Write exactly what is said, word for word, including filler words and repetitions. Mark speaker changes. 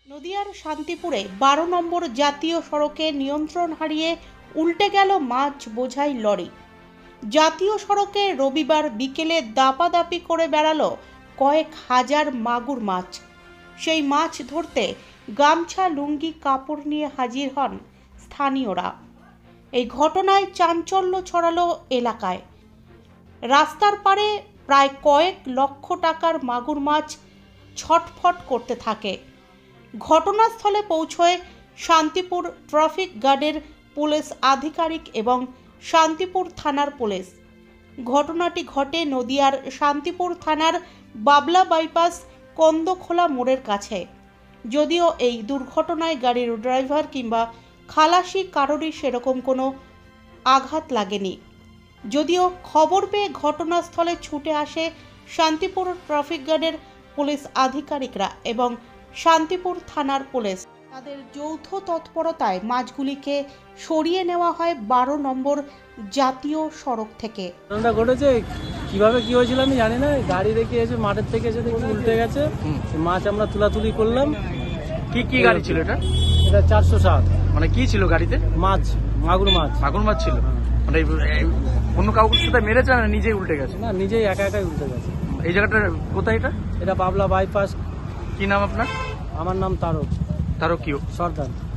Speaker 1: নদিয়ার শান্তিপুরে বারো নম্বর জাতীয় সড়কে নিয়ন্ত্রণ হারিয়ে উল্টে গেল মাছ বোঝাই লরি। জাতীয় সড়কে রবিবার বিকেলে দাপাদাপি করে বেড়ালো কয়েক হাজার মাগুর মাছ। সেই মাছ ধরতে গামছা লুঙ্গি কাপড় নিয়ে হাজির হন স্থানীয়রা। এই ঘটনায় চাঞ্চল্য ছড়ালো এলাকায়। রাস্তার পারে প্রায় কয়েক লক্ষ টাকার মাগুর মাছ ছটফট করতে থাকে। ঘটনাস্থলে পৌঁছয় শান্তিপুর ট্রাফিক গার্ডের পুলিশ আধিকারিক এবং শান্তিপুর থানার পুলিশ। ঘটনাটি ঘটে নদিয়ার শান্তিপুর থানার বাবলা বাইপাস কন্দখোলা মোড়ের কাছে। যদিও এই দুর্ঘটনায় গাড়ির ড্রাইভার কিংবা খালাসি কারোরই সেরকম কোনো আঘাত লাগেনি। যদিও খবর পেয়ে ঘটনাস্থলে ছুটে আসে শান্তিপুর ট্রাফিক গার্ডের পুলিশ আধিকারিকরা এবং শান্তিপুর থানার পুলিশ। তাদের যৌথ তৎপরতায় মাছগুলিকে সরিয়ে নেওয়া হয় বারো নম্বর জাতীয় সড়ক থেকে।
Speaker 2: ঘটনাটা ঘটেছে কিভাবে কি হয়েছিল আমি জানি না। গাড়ি রেখে এসে মাঠের থেকে এসে দেখি উল্টে গেছে। মাছ আমরা তুলাতুলি করলাম।
Speaker 3: কি কি গাড়ি ছিল এটা?
Speaker 2: এটা চারশো সাত।
Speaker 3: মানে কি ছিল গাড়িতে?
Speaker 2: মাছ, মাগুর মাছ।
Speaker 3: মাগুর মাছ ছিল। মানে এই- অন্য কাউকে সাথে মেরেছে না নিজেই উল্টে গেছে?
Speaker 2: না, নিজেই একা একাই উল্টে গেছে।
Speaker 3: এই জায়গাটা কোথায় এটা?
Speaker 2: এটা বাবলা বাইপাস।
Speaker 3: কি নাম আপনার?
Speaker 2: আমার নাম তারক
Speaker 3: তারও কি
Speaker 2: সর্দার।